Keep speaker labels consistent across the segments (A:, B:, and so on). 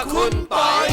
A: คุณปอย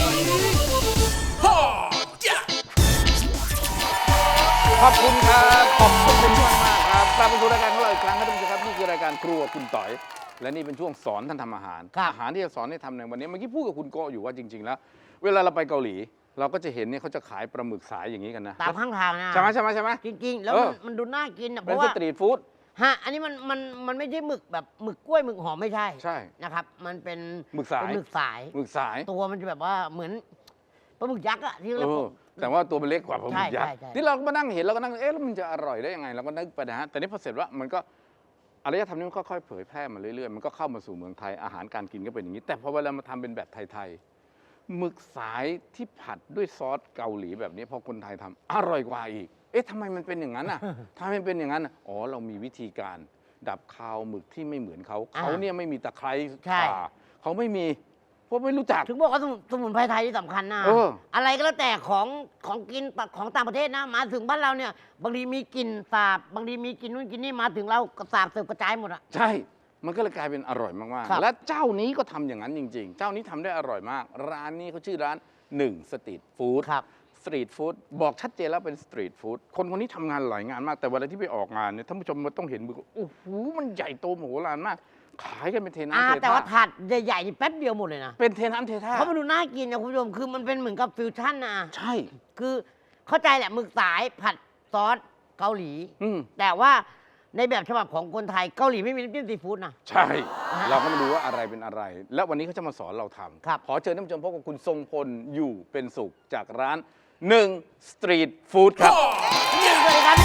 A: ขอบคุณครับขอบคุณมากมากครับกลับมาสู่รายการของเราอีกครั้งครับท่านผู้ชมครับนี่คือรายการครัวคุณต่อยและนี่เป็นช่วงสอนท่านทำอาหารอาหารที่จะสอนให้ทำในวันนี้เมื่อกี้พูดกับคุณโกอยู่ว่าจริงๆแล้วเวลาเราไปเกาหลีเราก็จะเห็นเนี่ยเขาจะขายปลาหมึกสายอย่างนี้กันนะ
B: ตามข้างทางนะ
A: ใช่ไหม
B: จริงๆแล้วมันดูน่ากินเพ
A: เป็น
B: ราะ
A: ส
B: ว่า
A: ตรีทฟู้ด
B: ฮะอันนี้มันไม่ใช่หมึกแบบหมึกกล้วยหมึกหอมไม่ใช่นะครับมันเป็น
A: หมึกสาย
B: ตัวมันจะแบบว่าเหมือนปลาหมึกยักษ์อะที่เรา
A: แต่ว่าตัวมันเล็กกว่าปลาหมึกยักษ์ที่เราก็มานั่งเห็นเราก็นั่งแล้วมันจะอร่อยได้ยังไงเราก็นึกไปนะฮะแต่นี่พอเสร็จว่ามันก็อารยธรรมนี้มันค่อยๆเผยแพร่มาเรื่อยๆมันก็เข้ามาสู่เมืองไทยอาหารการกินก็เป็นอย่างนี้แต่พอเวลามาทำเป็นแบบไทยๆหมึกสายที่ผัดด้วยซอสเกาหลีแบบนี้พอคนไทยทำอร่อยกว่าอีกเอ๊ะทำไมมันเป็นอย่างนั้นอ่ะทำไมเป็นอย่างนั้นอ๋อเรามีวิธีการดับคาวหมึกที่ไม่เหมือนเขาเนี่ยไม่มีตะไคร้ข่าเขาไม่มีพวกไม่รู้จัก
B: ถึงบอกว่าสมุนไพรไทยที่สำคัญนะอะไรก็แล้วแต่ของกินของต่างประเทศนะมาถึงบ้านเราเนี่ยบางทีมีกลิ่นสาบบางทีมีกลิ่นนู่นกลิ่นนี่มาถึงเราสาบเสิร์ฟกระจายหมดอะ
A: ใช่มันก็เลยกลายเป็นอร่อยมากๆและเจ้านี้ก็ทำอย่างนั้นจริงๆเจ้านี้ทำได้อร่อยมากร้านนี้เขาชื่อร้าน1สตรีทฟู้ดสตรีทฟู้ดบอกชัดเจนแล้วเป็นสตรีทฟู้ดคนนี้ทำงานหลายงานมากแต่เวลาที่ไปออกงานเนี่ยท่านผู้ชมมันต้องเห็นมือโอ้โหมันใหญ่โตมโหฬารมากขายกันเป็นเทน้ำเทท่า
B: แต่ว่าถาดใหญ่ๆนี่แป๊บเดียวหมดเลยนะ
A: เป็นเทน้ำเทท่า
B: เพราะมันดูน่ากินนะคุณผู้ชมคือมันเป็นเหมือนกับฟิวชั่นนะ
A: ใช่
B: คือเข้าใจแหละหมึกสายผัดซอสเกาหลีแต่ว่าในแบบฉบับของคนไทยเกาหลีไม่มีน้ำจิ้มซีฟู้ดนะ
A: ใช่เราก็มาดูว่าอะไรเป็นอะไรและวันนี้เขาจะมาสอนเราทำขอเชิญท่านผู้ชมพบกับคุณทรงพลอยู่เป็นสุขจากร้าน1สตรีทฟู้ดครับ
B: สวัสดีครับ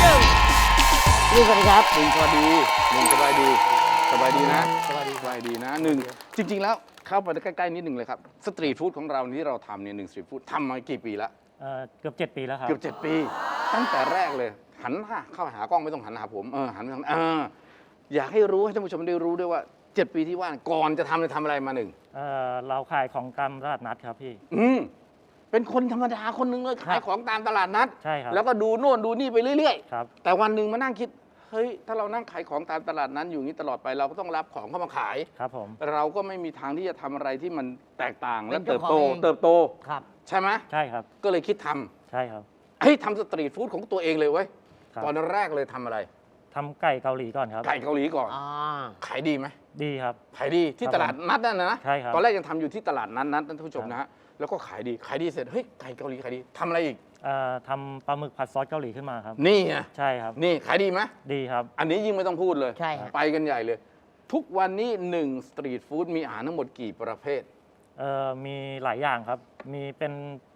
B: 1สวัสดีครับ
A: สวัสดี1สบายดีสบายดีนะสบายดีนะ1จริงๆแล้วเข้าไปใกล้ๆนิดหนึ่งเลยครับสตรีทฟู้ดของเราที่เราทำเนี่ย1สตรีทฟู้ดทำมากี่ปีแล้ว
C: เกือบ7 ปีแล้วครับ
A: เกือบ7 ปีตั้งแต่แรกเลยหันหน้าเข้าหากล้องไม่ต้องหันหาผมหันไปทางอยากให้รู้ให้ท่านผู้ชมได้รู้ด้วยว่า7 ปีที่ว่าก่อนจะทำอะไรมา
C: เราขายของตามตลาดนัดครับพี่
A: เป็นคนธรรมดาคนหนึ่งเลยขายของตามตลาดนัด
C: ใช่ครับ
A: แล้วก็ดูโน่นดูนี่ไปเรื่อย
C: ๆครับ
A: แต่วันหนึ่งมานั่งคิดเฮ้ยถ้าเรานั่งขายของตามตลาดนั้นอยู่นี้ตลอดไปเราก็ต้องรับของเข้ามาขาย
C: ครับผม
A: เราก็ไม่มีทางที่จะทำอะไรที่มันแตกต่างและเติบโต
B: ครับ
A: ใช่ไหม
C: ใช่ครับ
A: ก็เลยคิดท
C: ำใช่ครับ
A: ทำสตรีทฟู้ดของตัวเองเลยเว้ยตอนแรกเลยทำอะไร
C: ทำไก่เกาหลีก่อนครับ
A: ไก่เกาหลีก่อนขายดีไหม
C: ดีครับ
A: ขายดีที่ตลาดนัดนั่นนะ
C: ใช่ครับ
A: ตอนแรกยังทำอยู่ที่ตลาดนัดท่านผู้ชมนะฮะแล้วก็ขายดีเสร็จเฮ้ยไก่เกาหลีขายดีทำอะไรอีก
C: ทำปลาหมึกผัดซอสเกาหลีขึ้นมาครับ
A: นี่ไง
C: ใช่ครับ
A: นี่ขายดีไหม
C: ดีครับ
A: อันนี้ยิ่งไม่ต้องพูดเลย
B: ใช่ครับ
A: ไปกันใหญ่เลยทุกวันนี้1สตรีทฟู้ดมีอาหารทั้งหมดกี่ประเภท
C: มีหลายอย่างครับมีเป็น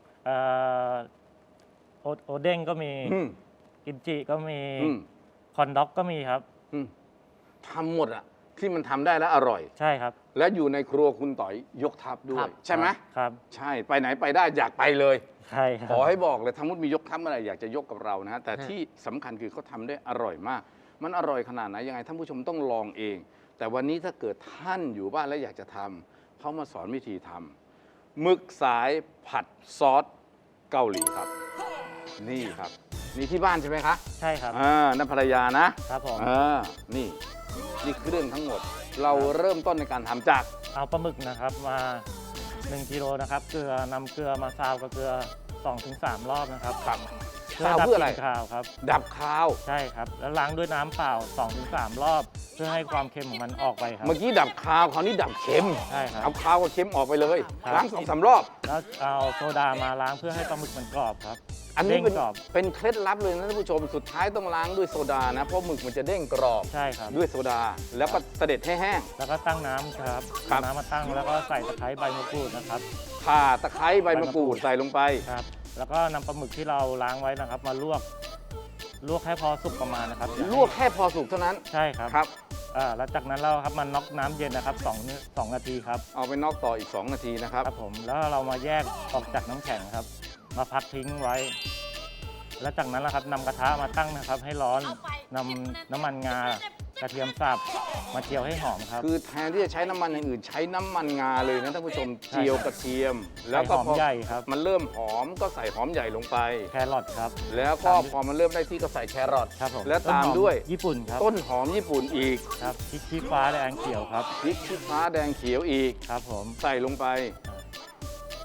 C: โอเด้งก็มีกิมจิก็มีคอนด็อกก็มีครับ
A: ทำหมดอะที่มันทำได้แล้วอร่อย
C: ใช่ครับ
A: และอยู่ในครัวคุณต่อยยกทัพด้วยใช่ไหม
C: ครับ
A: ใช่ไปไหนไปได้อยากไปเลย
C: ใช่ครับ
A: ขอให้บอกเลยทั้งหมดมียกทัพอะไรอยากจะยกกับเรานะฮะแต่ที่สำคัญคือเขาทำได้อร่อยมากมันอร่อยขนาดไหนยังไงท่านผู้ชมต้องลองเองแต่วันนี้ถ้าเกิดท่านอยู่บ้านแล้วอยากจะทำเขามาสอนวิธีทำหมึกสายผัดซอสเกาหลีครับนี่ครับนี่ที่บ้านใช่ไหมคะ
C: ใช่ครับ
A: นั่นภรรยานะครับ
C: ผม
A: นี่เครื่องทั้งหมดเราเริ่มต้นในการทำจาก
C: เอาปลาหมึกนะครับมา1 กิโลนะครับเกลือนำเกลือมาซาวกับเกลือ 2-3 รอบนะครับ
A: ซาวเพื่ออะไร
C: คาวครับ
A: ดับคาว
C: ใช่ครับแล้วล้างด้วยน้ำเปล่า 2-3 รอบเพื่อให้ความเค็มของมันออกไปครับ
A: เมื่อกี้ดับคาวคราวนี้ดับเค็ม
C: ใช่ครับ
A: เอาคาวกับเค็มออกไปเลยล้าง2-3 รอบ
C: แล้วเอาโซดามาล้างเพื่อให้ปลาหมึกมันกรอบครับ
A: อันนี้เป็นเคล็ดลับเลยนะท่านผู้ชมสุดท้ายต้องล้างด้วยโซดานะเพราะหมึกมันจะเด้งกรอบ
C: ใช่ครับ
A: ด้วยโซดาแล้วก็เสด็จให้แห้ง
C: แล้วก็ตั้งน้ำครับน้ำมาตั้งแล้วก็ใส่ตะไคร้ใบมะกรูดนะครับ
A: ข่าตะไคร้ใบมะกรูดใส่ลงไป
C: ครับแล้วก็นำปลาหมึกที่เราล้างไว้นะครับมาลวกให้พอสุกประมาณนะครับ
A: ลวกแค่พอสุกเท่านั้น
C: ใช่ครับ
A: ครับ
C: แล้วจากนั้นเราครับมันน็อกน้ำเย็นนะครับ2 นาทีครับ
A: เอาไปน็อกต่ออีก2 นาทีนะครับ
C: ครับผมแล้วเรามาแยกออกจากน้ำแข็งครับมาพักทิ้งไว้แล้วจากนั้นนะครับนำกระทะมาตั้งนะครับให้ร้อนนำน้ำมันงากระเทียมสับมาเจียวให้หอมครับ
A: คือแทนที่จะใช้น้ำมันอย่างอื่นใช้น้ำมันงาเลยนะท่านผู้ชมเจียวกระเทียม
C: แล้วก็หอมใหญ่ครับ
A: มันเริ่มหอมก็ใส่หอมใหญ่ลงไป
C: แครอทครับ
A: แล้วก็พอมันเริ่มได้ที่ก็ใส่แครอท
C: ครับผม
A: แล้วตามด้วย
C: ญี่ปุ่นครับ
A: ต้นหอมญี่ปุ่นอีก
C: ครับพริกชี้ฟ้าแดงเขียวครับ
A: พริกชี้ฟ้าแดงเขียวอีก
C: ครับผม
A: ใส่ลงไป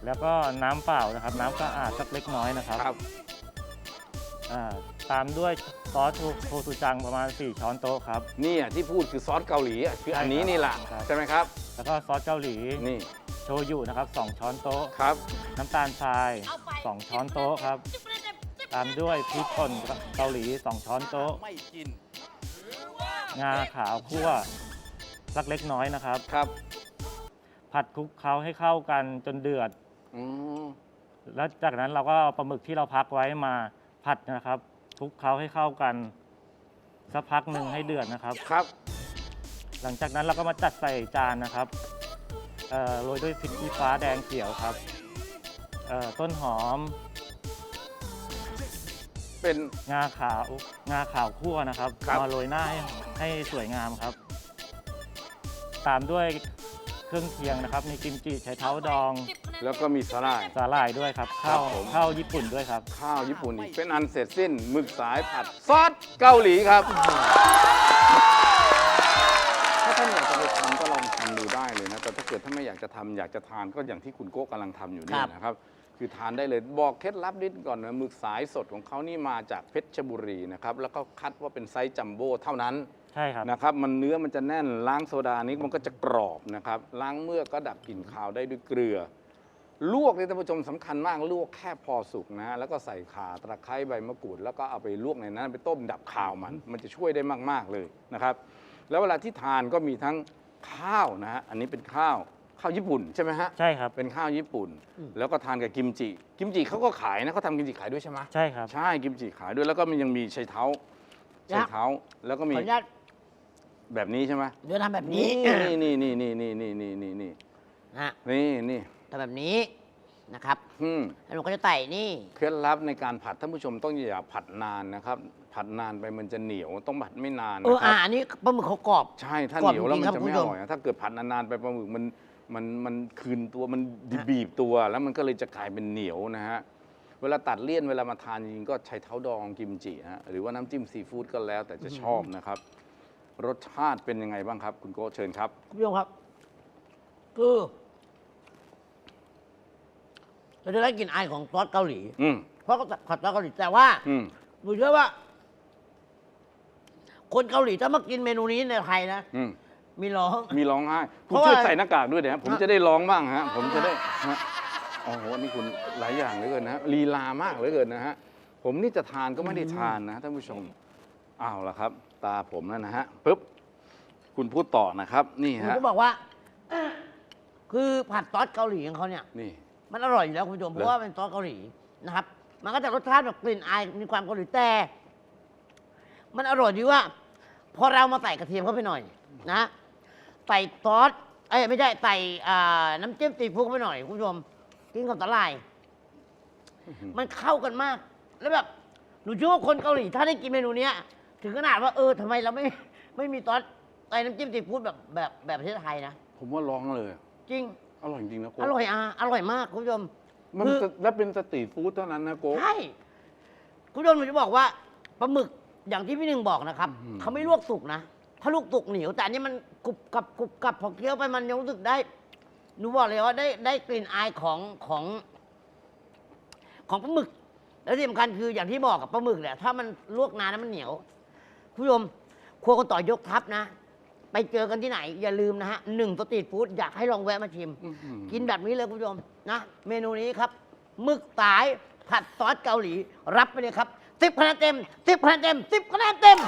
C: แล้วก็น้ำเปล่านะครับ น้ำสะอาดสักเล็กน้อยนะครับ
A: ครับ
C: ตามด้วยซอสโชซูจังประมาณ 4 ช้อนโต๊ะครับ
A: นี่อ่ะที่พูดคือซอสเกาหลีอ่ะคืออันนี้นี่แหละ
C: ครับ
A: ใช่ไหมครับ
C: แล้วก็ซอสเกาหลี
A: นี่
C: โชยุนะครับ 2 ช้อนโต๊ะ
A: ครับ
C: น้ำตาลทราย 2 ช้อนโต๊ะครับ ตามด้วยพริกป่นเกาหลี 2 ช้อนโต๊ะ
A: ไม่กิน
C: งาขาวคั่วสักเล็กน้อยนะครับ
A: ครับ
C: ผัดคลุกเคล้าให้เข้ากันจนเดือด
A: อืม
C: แล้วจากนั้นเราก็เอาปลาหมึกที่เราพักไว้มาผัดนะครับคลุกเคล้าให้เข้ากันสักพักหนึ่งให้เดือดนะครับ
A: ครับ
C: หลังจากนั้นเราก็มาจัดใส่จานนะครับโรยด้วยพริกชี้ฟ้าแดงเขียวครับต้นหอม
A: เป็น
C: งาขาวคั่วนะครับ
A: ครับ
C: มาโรยหน้าให้สวยงามครับ ตามด้วยเครื่องเคียงนะครับ มีกิมจิไชเท้าดอง
A: แล้วก็มีสาหร่าย
C: สาหร่ายด้วยครับ
A: ครับผม
C: ข้าวญี่ปุ่นด้วยครับ
A: ข้าวญี่ปุ่นอีกเป็นอันเสร็จสิ้นหมึกสายผัดซอสเกาหลีครับ ถ้าท่านอยากจะไปทำก็ลองทำดูได้เลยนะแต่ถ้าเกิดท่านไม่อยากจะทำอยากจะทานก็อย่างที่คุณโก้กำลังทำอยู่นี่นะครับ คือทานได้เลยบอกเคล็ดลับนิดก่อนนะหมึกสายสดของเขานี่มาจากเพชรบุรีนะครับแล้วก็คัดว่าเป็นไซส์จัมโบ้เท่านั้น
C: ใช่ครับ
A: นะครับมันเนื้อมันจะแน่นล้างโซดานี้มันก็จะกรอบนะครับล้างเมือกก็ดับกลิ่นคาวได้ด้วยเกลือ ลวกนี่ท่านผู้ชมสำคัญมากลวกแค่พอสุกนะแล้วก็ใส่ข่าตะไคร้ใบมะกรูดแล้วก็เอาไปลวกในนั้นไปต้มดับคาวมันจะช่วยได้มากๆเลยนะครับแล้วเวลาที่ทานก็มีทั้งข้าวนะฮะอันนี้เป็นข้าวญี่ปุ่นใช่ไหมฮะ
C: ใช่ครับ
A: เป็นข้าวญี่ปุ่น แล้วก็ทานกับกิมจิเขาก็ขายนะเขาทำกิมจิขายด้วยใช่ไหม
C: ใช่ครับ
A: ใช่กิมจิขายด้วยแล้วก็มันยังมีไชเท้าแล้วก็
B: ข
A: มี
B: ออนุญาต
A: แบบนี้ใช่ไหม
B: เดี๋ยวทำแบบนี้
A: นี่
B: ฮะ
A: นี่
B: ทำแบบนี้นะครับ แล้วหนูก็จะไต่นี่
A: เคล็ดลับในการผัดท่านผู้ชมต้องอย่าผัดนานนะครับผัดนานไปมันจะเหนียวต้องผัดไม่นานนะครั
B: อันนี้ปลาหมึกเขากรอบ
A: ใช่ถ้าก
B: รอบ
A: เหนียวแล้วมัน
B: จริงๆครับ
A: จะไม่
B: คุณ
A: อ
B: ผู้ชม
A: ร่อยถ้าเกิดผัดนานๆไปปลาหมึกมันคืนตัวมันบีบตัว แล้วมันก็เลยจะกลายเป็นเหนียวนะฮะเวลาตัดเลี่ยนเวลามาทานจริงๆก็ใช้เท้าดองกิมจิฮะหรือว่าน้ำจิ้มซีฟู้ดก็แล้วแต่จะชอบนะครับ รสชาติเป็นยังไงบ้างครับ คุณโก้เชิญครับ
B: คุณผู้ชมครับ คือเราจะได้กลิ่นอายของซอสเกาหลี
A: อืม
B: เพราะก็ผัดซอสเกาหลีแต่ว่า
A: อืม
B: หนูเชื่อว่า คนเกาหลีถ้ามากินเมนูนี้ในไทยนะ
A: อืม
B: มีร้อง
A: มีร้องไห้คุณ
B: เพราะว่า
A: ช่วยใส่หน้ากากด้วยเดี๋ยวผม
B: ฮะ
A: จะได้ร้องบ้างฮะผมจะได้ฮะโอ้โหนี่คุณหลายอย่างเหลือเกินนะฮะลีลามากเหลือเกินนะฮะผมนี่จะทานก็ไม่ได้ทานนะท่านผู้ชมเอาละครับ ตาผมแล้วนะฮะปุ๊บคุณพูดต่อนะครับ นี่
B: หนู
A: ฮะ
B: ก็บอกว่า คือผัดซอสเกาหลีของเขาเนี่ย
A: นี่
B: มันอร่อยอยู่แล้วคุณผู้ชมเพราะว่าเป็นซอสเกาหลีนะครับ มันก็จะรสชาติแบบกลิ่นอายมีความเกาหลีแต่ มันอร่อยดีว่า พอเรามาใส่กระเทียมเข้าไปหน่อย นะใส่ซอสไม่ใช่ใส่น้ำจิ้มซีฟู้ดเข้าไปหน่อยคุณผู้ชมกินกับสาหร่าย มันเข้ากันมาก แล้วแบบหนูเชื่อว่าคนเกาหลีถ้าได้กินเมนูเนี้ย ถึงขนาดว่าทำไมเราไม่มีซอสใส่น้ำจิ้มซีฟู้ดแบบประเทศไทยนะ
A: ผมว่าร้องเลย
B: จริง
A: อร่อยจริงนะโก้
B: อร่อยอร่อยมากคุณผู้ชม
A: มัน
B: คือ
A: และเป็นสตรีทฟู้ดเท่านั้นนะโก้
B: ใช่คุณผู้ชมหนูจะบอกว่าปลาหมึกอย่างที่พี่หนึ่งบอกนะครับ
A: อื้อหือ
B: เขาไม่ลวกสุกนะ ถ้าลวกสุกเหนียว แต่อันนี้มันกรุบกรับพอเคี้ยวไปมันยังรู้สึกได้หนูบอกเลยว่าได้กลิ่นอายของปลาหมึก แล้วที่สำคัญคืออย่างที่บอกกับปลาหมึกเนี่ยถ้ามันลวกนานแล้วมันเหนียวคุณผู้ชมครัวคนต่อยกทัพนะ ไปเจอกันที่ไหน อย่าลืมนะฮะ1 สตรีทฟู้ดอยากให้ลองแวะมาชิม
A: อื้อหือ
B: กินแบบนี้เลยคุณผู้ชมนะเมนูนี้ครับหมึกสายผัดซอสเกาหลี รับไปเลยครับ10 คะแนนเต็ม10 คะแนนเต็ม10 คะแนนเต็ม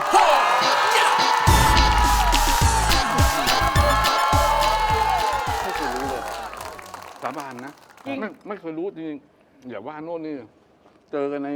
A: ไม่เคยรู้เลยสาบานนะ
B: จริง
A: ไม่เคยรู้จริงๆอย่าว่าโน่นนี่เจอกันใน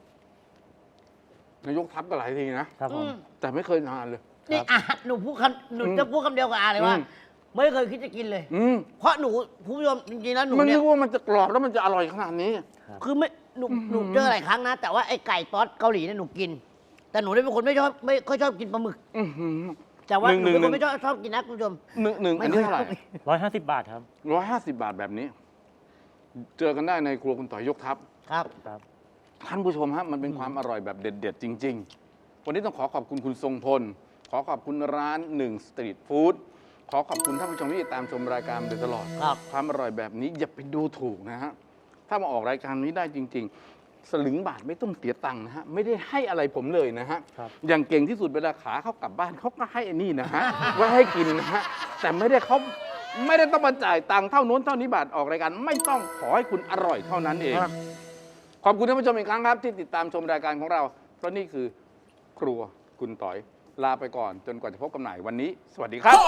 A: ยกทัพก็หลายทีนะครับ
C: ผม
A: แต่ไม่เคยทานเลย
B: นี่หนูพูดหนูจะพูดคำเดียวกับอาเลยว่า
A: อืม
B: ไม่เคยคิดจะกินเลย
A: อืม
B: เพราะหนูคุณผู้ชมจริงๆแล้วหนู
A: มัน
B: เนี่
A: นึ
B: ย
A: กว่ามันจะกรอบแล้วมันจะอร่อยขนาดนี้
B: คือไม่หนูเจอหลายครั้งนะ แต่ว่าไอ้ไก่ซอสเกาหลีเนี่ยหนูกิน แต่หนูเนี่ยเป็นคนไม่ค่อยชอบกินปลาหมึก
A: อื้อหือ
B: แต่ว่าหนูเป็น
A: หนึ่
B: คน
A: ง
B: ไม่ชอบกินนะคุณผู้ชม
A: หนึ่งอันนี้เท่าไหร่
C: 150 บาทครับ
A: 150 บาทแบบนี้ เจอกันได้ในครัวคุณต่อยยกทัพ
B: ครับ
C: ครับ
A: ท่านผู้ชมฮะมันเป็นความอร่อยแบบเด็ด ๆ จริง ๆ วันนี้ต้องขอขอบคุณคุณทรงพล ขอขอบคุณร้าน1 สตรีทฟู้ดขอขอบคุณท่านผู้ชมที่ติดตามชมรายการมาโดยตลอด
B: ครับ
A: ความอร่อยแบบนี้อย่าไปดูถูกนะฮะ ถ้ามาออกรายการนี้ได้จริง ๆ สลึงบาทไม่ต้องเสียตังค์นะฮะ ไม่ได้ให้อะไรผมเลยนะฮะ
C: ครับ
A: อย่างเก่งที่สุดเวลาขาเขากลับบ้านเขาก็ให้อันนี้นะฮะ ไว้ให้กินนะฮะ แต่ไม่ได้ต้องมาจ่ายตังค์เท่านู้นเท่านี้บาทออกรายการไม่ต้องขอให้คุณอร่อยเท่านั้นเอง
B: ครับ
A: ขอบคุณท่านผู้ชมอีกครั้งครับที่ติดตามชมรายการของเรา เพราะนี่คือครัวคุณต่อยลาไปก่อนจนกว่าจะพบกันใหม่วันนี้ สวัสดีครับ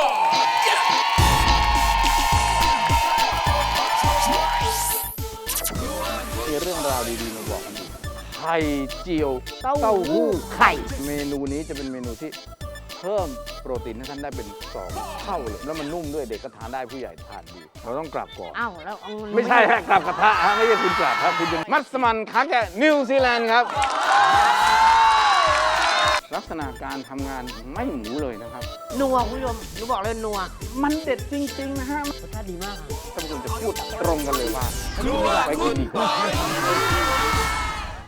A: มีเรื่องราวดีๆมาบอกกันอีกไข่เจียวเต้าหู้
B: ไข่
A: เมนูนี้จะเป็นเมนูที่เพิ่มโปรตีนให้ท่านได้เป็น2 เท่าเลยแล้วมันนุ่มด้วยเด็กก็ทานได้ผู้ใหญ่ทานดี เราต้องกลับก่อน
B: อ้าวแล้วเอา
A: ไม่ใช่ฮะกลับกระทะฮะไม่ใช่คุณกลับครับคุณจะมัสมั่นขาแกะนิวซีแลนด์ครับ ลักษณะการทำงานไม่หมูเลยนะครับ
B: นัวคุณผู้ชมหนูบอกเลยนัว
A: มันเด็ดจริง ๆ นะฮะ
B: รสชาติดีมาก
A: ท่านผู้ชมจะพูดตรงกันเลยว่าไปกินดีกว่า